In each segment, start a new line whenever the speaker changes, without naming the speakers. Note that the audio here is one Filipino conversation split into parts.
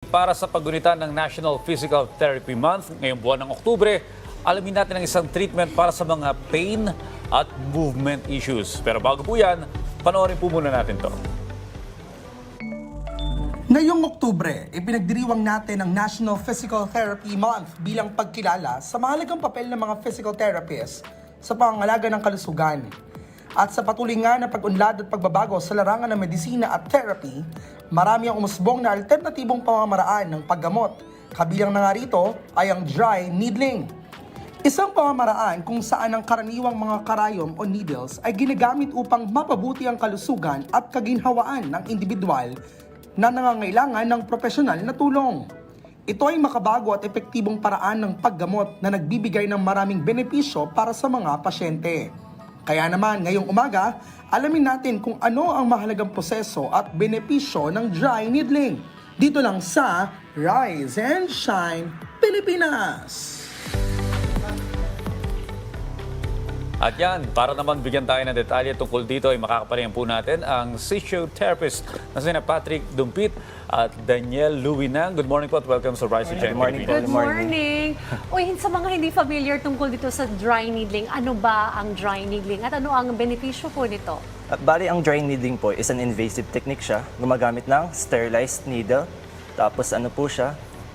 para sa paggunita ng National Physical Therapy Month ngayong buwan ng Oktubre, alamin natin ang isang treatment para sa mga pain at movement issues. Pero bago po yan, panoorin po muna natin to.
Ngayong Oktubre, ipinagdiriwang natin ang National Physical Therapy Month bilang pagkilala sa mahalagang papel ng mga physical therapists sa pangangalaga ng kalusugan. At sa patuloy nga na pag-unlad at pagbabago sa larangan ng medisina at therapy, marami ang umusbong na alternatibong pamamaraan ng paggamot. Kabilang na nga rito ay ang dry needling. Isang pamamaraan kung saan ang karaniwang mga karayom o needles ay ginagamit upang mapabuti ang kalusugan at kaginhawaan ng individual na nangangailangan ng profesional na tulong. Ito ay makabago at epektibong paraan ng paggamot na nagbibigay ng maraming benepisyo para sa mga pasyente. Kaya naman ngayong umaga, alamin natin kung ano ang mahalagang proseso at benepisyo ng dry needling. Dito lang sa Rise and Shine Pilipinas!
At yan, para naman bigyan tayo ng detalye tungkol dito ay makakapalingan po natin ang physiotherapist na sina Patrick Dumpit at Daniel Luwinang. Good morning po at welcome sa Rise and Shine Pilipinas.
Good morning. Uy, sa mga hindi familiar tungkol dito sa dry needling, ano ba ang dry needling at ano ang benepisyo po nito?
Bali, ang dry needling po is an invasive technique siya. Gumagamit ng sterilized needle. Tapos ano po siya,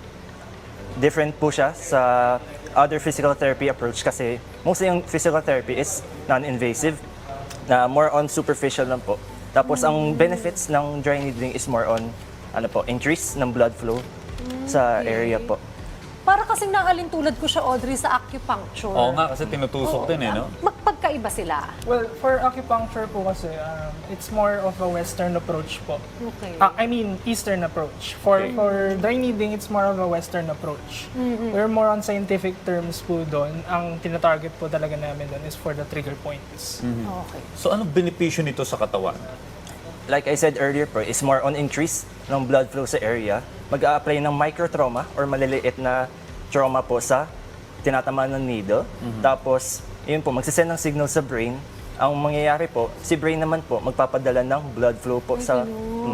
different po siya sa other physical therapy approach kasi mostly yung physical therapy is non-invasive na more on superficial lang po. Tapos ang benefits ng dry needling is more on increase ng blood flow sa area po.
Para kasing naalintulad ko siya, Audrey, sa acupuncture.
Oo nga, kasi tinutusok din no?
Magpagkaiba sila.
Well, for acupuncture po kasi, it's more of a Western approach po.
Okay.
I mean, Eastern approach. For dry needling, it's more of a Western approach. We're more on scientific terms po doon. Ang tinatarget po talaga namin doon is for the trigger points.
Okay.
So anong benepisyo nito sa katawan?
Like I said earlier po, is more on increase ng blood flow sa area. Mag-a-apply ng microtrauma or maliliit na trauma po sa tinatamaan ng needle. Tapos, yun po, magsisend ng signal sa brain. Ang mangyayari po, si brain naman po, magpapadala ng blood flow po sa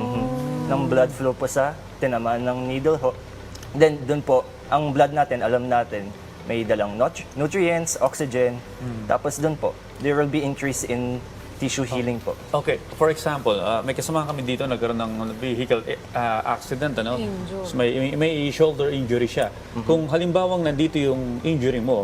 ng blood flow po sa tinamaan ng needle ho. Then, dun po, ang blood natin, alam natin, may dalang nutrients, oxygen. Tapos dun po, there will be increase in tissue healing po.
Okay, for example, may kasama kami dito nagkaroon ng vehicle accident, ano?
Injury.
So, may shoulder injury siya. Kung halimbawang nandito yung injury mo,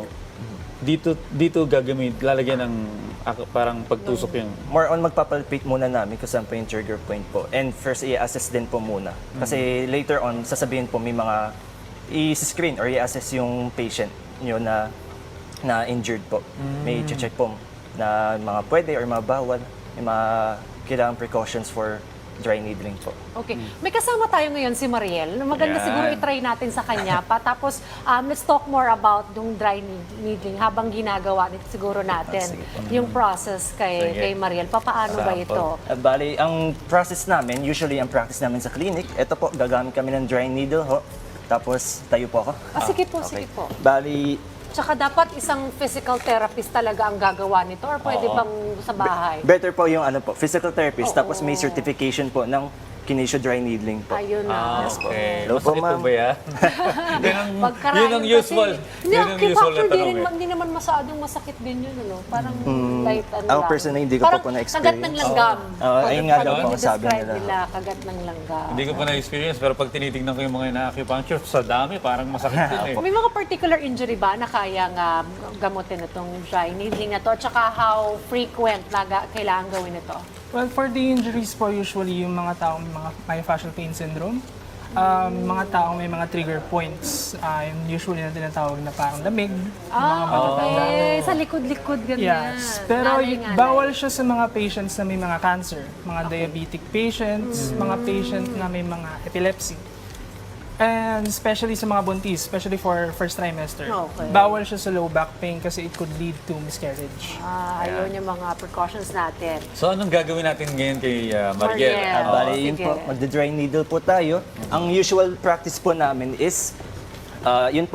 dito lalagyan ng parang pagtusok yung...
More on magpapalpate muna namin kung saan po yung trigger point po. And first, i-assess din po muna. Kasi later on, sasabihin po may mga i-screen or i-assess yung patient nyo na injured po. May check po na mga pwede or mga bawal, may mga kailangan precautions for dry needling po.
Okay. May kasama tayo ngayon si Mariel. Maganda
Yan.
siguro i-try natin sa kanya pa. Tapos, let's talk more about yung dry needling habang ginagawa nito siguro natin. Yung process
Sige.
kay Mariel. Paano ba ito?
Bali, ang process namin, usually ang practice namin sa clinic, ito po, gagamit kami ng dry needle ho. Tapos, tayo po ako.
Sige po,
Okay.
sige po.
Bali,
Tsaka dapat isang physical therapist talaga ang gagawa nito or pwede bang sa bahay?
better po yung physical therapist,
Oo.
tapos may certification po ng kinesio dry needling po.
Ayun na.
Okay.
Hello po,
Masakit po
ma'am.
ba yan?
Pagkarayan
Yun ang usual.
Hindi,
Yun ang usual na tanong eh.
hindi naman masyadong masakit din yun, ano? Parang light
Ako
lang.
personally, hindi ko pa
Parang
po na-experience.
kagat ng langgam.
Ayun nga daw po ang sabi
Describe
nila.
kagat ng langgam.
Hindi ko pa na-experience, pero pag tinitignan ko yung mga na-acupuncture, sa dami, parang masakit din eh.
May mga particular injury ba na kaya nga gamutin itong dry needling na to? At saka how frequent na kailangan gawin ito?
Well, for the injuries po, usually yung mga taong may myofascial pain syndrome, mga taong may mga trigger points, usually na tinatawag na parang lamig, mga matatanda.
Okay. Sa likod-likod, ganyan.
Yes. Pero
Ngalay-ngalay.
bawal siya sa mga patients na may mga cancer, mga diabetic patients, mga patient na may mga epilepsy. And especially sa mga buntis, especially for first trimester.
Okay.
Bawal siya sa low back pain kasi it could lead to miscarriage.
Ayun yung mga precautions natin.
So anong gagawin natin ngayon kay Mariel?
Mariel.
Bali, yun
Sige.
po, magda-dry needle po tayo. Ang usual practice po namin is, yun po,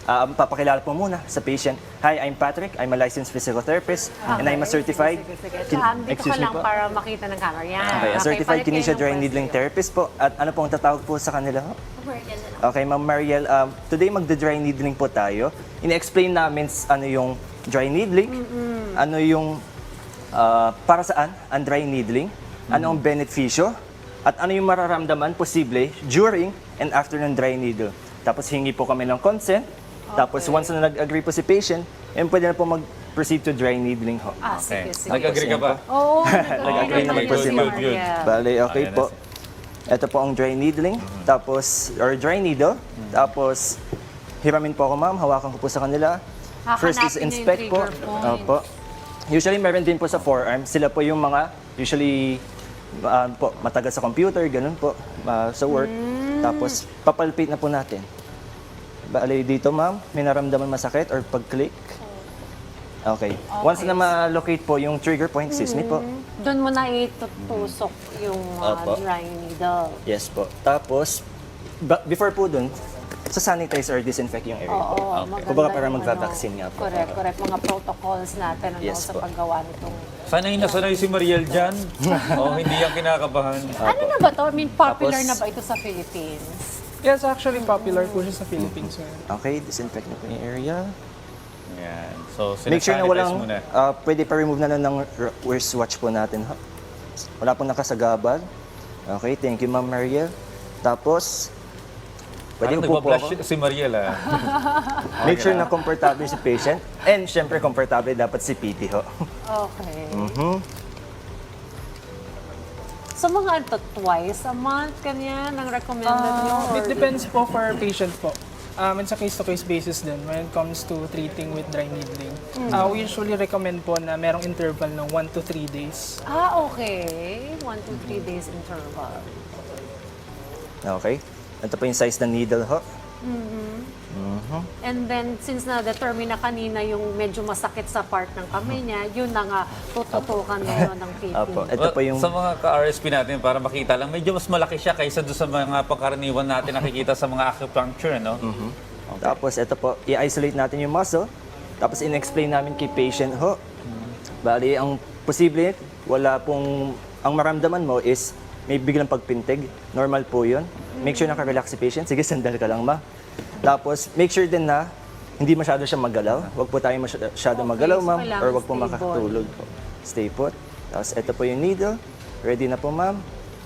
Papakilala po muna sa patient. Hi, I'm Patrick. I'm a licensed physical therapist and I'm a certified...
Dito ka lang para makita ng camera. Yan.
Okay, a certified
palit kayo
kinesia
ng
dry
pwesto.
needling therapist po. At ano pong tatawag po sa kanila? Okay, Ma'am Mariel, today magda-dry needling po tayo. Ine-explain namin ano yung dry needling, ano yung para saan ang dry needling, ano ang benepisyo, at ano yung mararamdaman posible during and after ng dry needle. Tapos hingi po kami ng consent. Tapos once na nag-agree po si patient, pwede na po mag-proceed to dry needling ho.
Sige, sige.
Nag-agree ka ba?
Oo,
Nag-agree naman po si Ma'am.
Good.
Bale, okay
Ayan
po. Ito po ang dry needling, tapos, or dry needle. Tapos, hiramin po ako, ma'am. Hawakan ko po sa kanila. First is
Hahanapin yung
inspect po.
trigger point.
Opo. Usually, meron din po sa forearm. Sila po yung mga, usually, po, matagal sa computer, ganun po, sa work. Tapos, papalpate na po natin. Bale, dito, ma'am, may naramdaman masakit or pag-click. Okay. Once na ma-locate po yung trigger point, excuse me po.
Doon mo na itutusok yung
Opo.
dry needle.
Yes po. Tapos, before po dun, sa sanitize or disinfect yung area po.
Oo, maganda
Kumbaga para
yung
magva-vaccine nga po.
Correct. Mga protocols natin
Yes
sa
po.
paggawa nitong...
Sanay na sanay si Mariel dyan. Hindi yan kinakabahan.
Ano na ba to? I mean, popular
Tapos-
na ba ito sa Philippines?
Yes, actually popular po siya sa Philippines.
Okay, disinfect na po yung area.
Yan. So,
Make sure na
sinasanitize
walang,
muna.
pwede pa remove na lang ng wristwatch po natin. Ha? Wala pong nakasagabal. Okay, thank you Ma'am Mariel. Tapos, pwede
Parang
po po
nagpa-flash
ako.
si Mariel
Make sure na komportable si patient. And syempre, komportable dapat si PT ho.
Okay. So mga ito, twice a month, kanyan, ang recommended nyo?
It depends po for patient po. It's a case-to-case basis din when it comes to treating with dry needling. We usually recommend po na merong interval ng 1 to 3 days.
Okay. 1 to 3 days interval.
Okay. Ito po yung size ng needle ho.
And then, since na-determine na kanina yung medyo masakit sa part ng kamay niya, yun na nga, tututukan ngayon ng PT.
Apo. Ito po yung...
Sa mga ka-RSP natin, para makita lang, medyo mas malaki siya kaysa doon sa mga pangkaraniwan natin nakikita sa mga acupuncture, no?
Tapos ito po, i-isolate natin yung muscle. Tapos in-explain namin kay patient ho. Bali, ang posible, wala pong, ang maramdaman mo is may biglang pagpintig. Normal po yun. Make sure naka-relax si patient. Sige, sandal ka lang ma. Tapos, make sure din na hindi masyado siya magalaw. Huwag po tayo masyado magalaw,
so
ma'am.
kailangan
Or huwag po
stable.
makakatulog po. Stay put. Tapos, ito po yung needle. Ready na po, ma'am.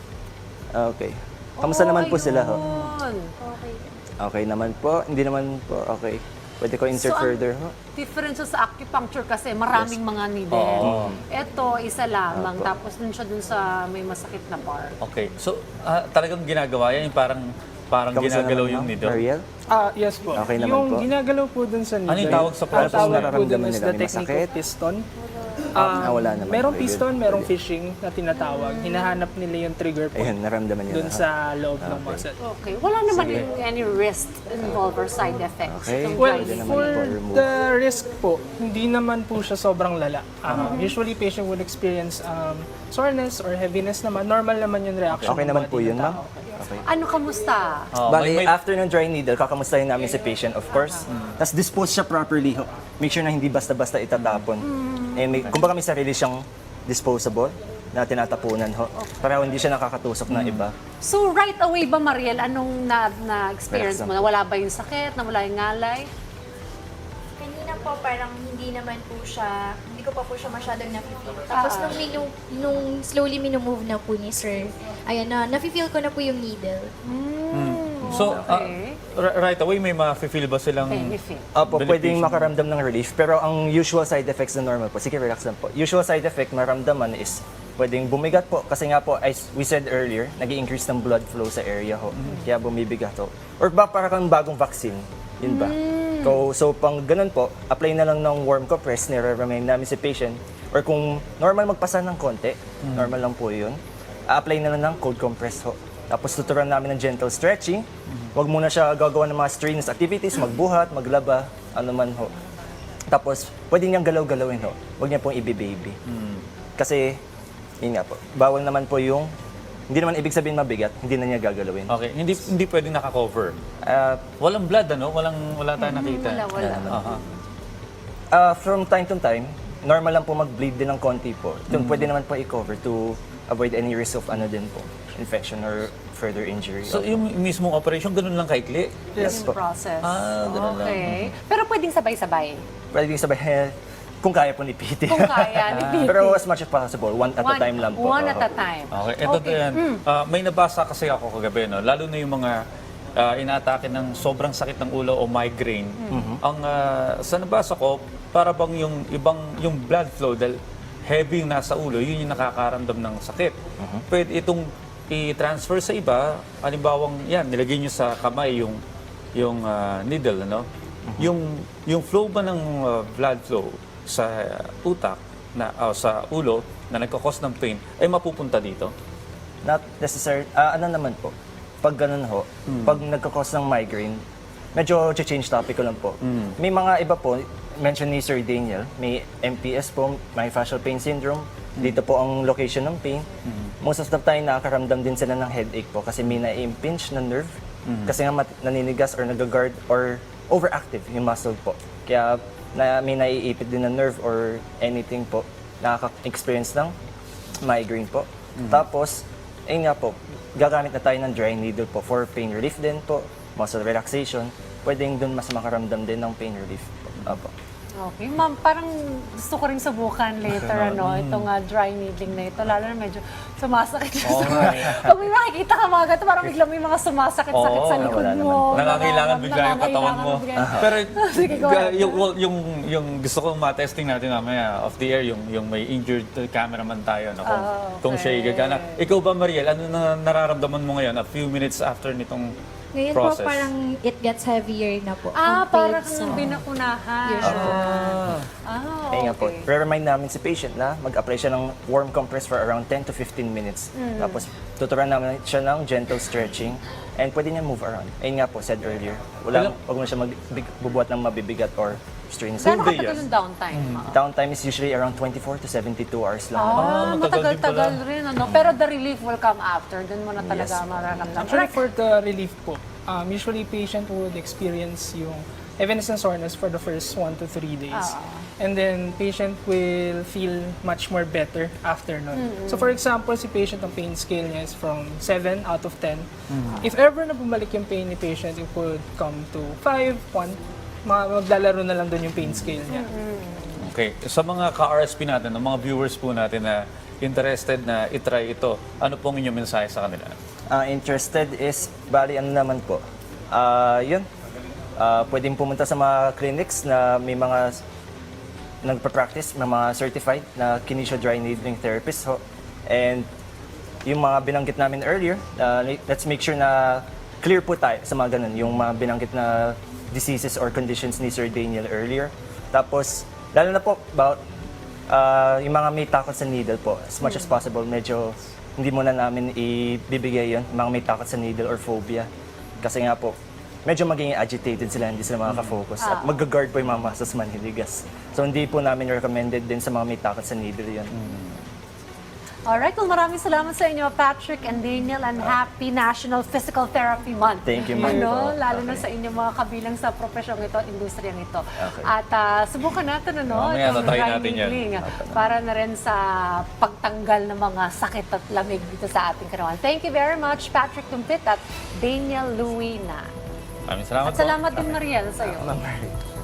Okay. Kamusta naman po sila ho?
Ayun.
Okay naman po. Hindi naman po. Okay. Pwede ko insert
So, ang
further ho.
Difference sa acupuncture kasi maraming mga needle. Ito, isa lamang. Tapos dun siya dun sa may masakit na part.
Okay. So, talagang ginagawa yan, yung parang
Kamusta
ginagalaw
naman,
yung
ma'am?
needle.
Mariel?
Yes po.
Okay naman
yung
po.
ginagalaw po dun sa needle.
Ano yung tawag sa
ang
process
tawag
na
po dun
nararamdaman
is
nila?
the
May
technique
masakit?
of piston.
Wala naman.
Merong
Very good.
piston, merong fishing na tinatawag. Hinahanap nila yung trigger point
Ayun, naramdaman niyo
dun
na.
sa loob ng muscle.
Okay. Wala naman yung any risk involved or side effects.
Okay.
itong
Well,
dry
Pwede naman
for
po remove.
the risk po, hindi naman po siya sobrang lala. Usually, patient will experience soreness or heaviness naman. Normal naman yung reaction
Okay
ng
naman
body
po yun,
ng
ma'am?
tao.
Okay.
Ano, kamusta?
Bali,
may-
after ng dry needle, kakamustahin namin si patient, of course. Tapos dispose siya properly. Ho. Make sure na hindi basta-basta itatapon. Kumbaga may sarili siyang disposable na tinatapunan. Ho. Para hindi siya nakakatusok na iba.
So right away ba, Mariel, anong na-experience mo? Nawala ba yung sakit? Nawala yung ngalay?
Kanina po parang hindi naman po siya, hindi ko pa po siya masyadong nafe-feel. Tapos nung slowly minumove na po ni sir, ayan na, nafe-feel ko na po yung needle.
So,
Okay.
right away, may ma-feel ba silang...
Benefit.
Opo,
beneficial?
pwedeng makaramdam ng relief. Pero ang usual side effects na normal po, sige relax lang po. Usual side effect maramdaman is pwedeng bumigat po. Kasi nga po, as we said earlier, nag-i-increase ng blood flow sa area ho. Kaya bumibigat ho. Or ba para kang bagong vaccine? Yun ba? So, pang ganun po, apply na lang ng warm compress, nire-remind namin si patient. Or kung normal magpasa ng konti, normal lang po yun, apply na lang ng cold compress ho. Tapos tuturuan namin ng gentle stretching. Huwag muna siya gagawa ng mga strenuous activities, magbuhat, maglaba, ano man ho. Tapos, pwede niyang galaw-galawin ho. Huwag niya pong i-baby. Kasi, yun nga po, bawal naman po yung hindi naman ibig sabihin mabigat, hindi na niya gagalawin.
Okay, hindi pwedeng naka-cover.
Ah,
Walang blood, ano? Wala tayong nakita.
Wala.
Aha.
from time to time, normal lang po mag-bleed din ng konti po. Ito pwede naman po i-cover to avoid any risk of din po, infection or further injury.
So yung mismong operation, ganun lang kaikli?
Yes
Yung
po.
process.
Ganun lang.
Okay. Pero pwedeng sabay-sabay.
Pwede sabihin, kung kaya po ni PT.
Kung kaya, ni PT.
Pero as much as possible, one at a time lang po.
One at a time.
Okay, ito din. May nabasa kasi ako kagabi, no? Lalo na yung mga inaatake ng sobrang sakit ng ulo o migraine. Ang sa nabasa ko, para bang yung blood flow, dahil heavy yung nasa ulo, yun yung nakakaramdam ng sakit. Pwede itong i-transfer sa iba, halimbawang yan, nilagay nyo sa kamay yung needle, ano? Yung flow ba ng blood flow sa utak, sa ulo, na nagkakos ng pain, ay mapupunta dito?
Not necessary. Naman po, pag ganun ho, pag nagkakos ng migraine, medyo change topic ko lang po. May mga iba po, mention ni Sir Daniel, may MPS po, myofascial pain syndrome. Dito po ang location ng pain. Most of the time, nakakaramdam din sila ng headache po kasi may na-impinge na nerve. Kasi nga naninigas or nag-guard or overactive yung muscle po. Kaya may naiipit din na nerve or anything po, nakaka-experience ng migraine po. Tapos, ayun nga po, gagamit na tayo ng dry needle po for pain relief din po, muscle relaxation. Pwedeng dun mas makaramdam din ng pain relief po. Apo.
Okay, ma'am, parang gusto ko rin subukan later, itong dry needling na ito, lalo na medyo sumasakit. Pag may makikita ka mga ganito, parang biglang may mga sumasakit-sakit sa likod
wala
mo.
Nangangailangan bigla yung katawan mo. Pero
Sige, go ahead.
yung gusto kong ma-testing natin mamaya off the air, yung may injured cameraman tayo, no? Kung siya gagana. Ikaw ba, Mariel, ano na nararamdaman mo ngayon a few minutes after nitong
Ngayon
process?
po parang it gets heavier na po.
Parang
compared sa
nung binakunahan.
usual.
Ayun nga po,
Okay.
re-remind namin si patient na mag-apply siya ng warm compress for around 10 to 15 minutes. Tapos tuturuan namin siya ng gentle stretching and pwede niya move around. Ayun nga po, said earlier, wag mo siya magbubuhat ng mabibigat or strenuous.
Gano'ng
days.
katagal yung downtime, ma'am?
Downtime is usually around 24 to 72 hours lang.
matagal din
matagal-tagal
pala.
rin, ano? Pero the relief will come after. Doon mo na talaga
Yes.
mararamdaman.
Actually, for the relief po, usually patient would experience yung heaviness and soreness for the first 1 to 3 days. And then patient will feel much more better after nun. So for example, si patient, ang pain scale niya is from 7 out of 10. If ever na bumalik yung pain ni patient, it could come to 5, 1. Maglalaro na lang doon yung pain scale niya.
Okay, sa mga ka-RSP natin, ng mga viewers po natin na interested na itry ito, ano pong inyong mensahe sa kanila?
Interested is, bali ano naman po, yun, pwedeng pumunta sa mga clinics na may mga nagpa-practice, may mga certified na kinesio dry needling therapist ho. And yung mga binanggit namin earlier, let's make sure na clear po tayo sa mga ganun, yung mga binanggit na diseases or conditions ni Sir Daniel earlier. Tapos, lalo na po about yung mga may takot sa needle po, as much as possible, medyo hindi muna namin ibibigay yun, mga may takot sa needle or phobia. Kasi nga po, medyo magiging agitated sila, hindi sila makaka-focus. At mag-guard po yung mga muscles manhiligas. So hindi po namin recommended din sa mga may takot sa needle yun.
Alright, well maraming salamat sa inyo, Patrick and Daniel, and happy National Physical Therapy Month.
Thank you, ma'am.
Lalo na sa inyo mga kabilang sa profesyong ito, industriyang ito.
Okay.
At subukan natin,
Mamaya
itong
tatry
dry
natin yan.
needling, para na rin sa pagtanggal ng mga sakit at lamig dito sa ating katawan. Thank you very much, Patrick Dumpit at Daniel Luina.
Maraming salamat
At salamat din, Mariel, sa iyo.
Ma'am Mary.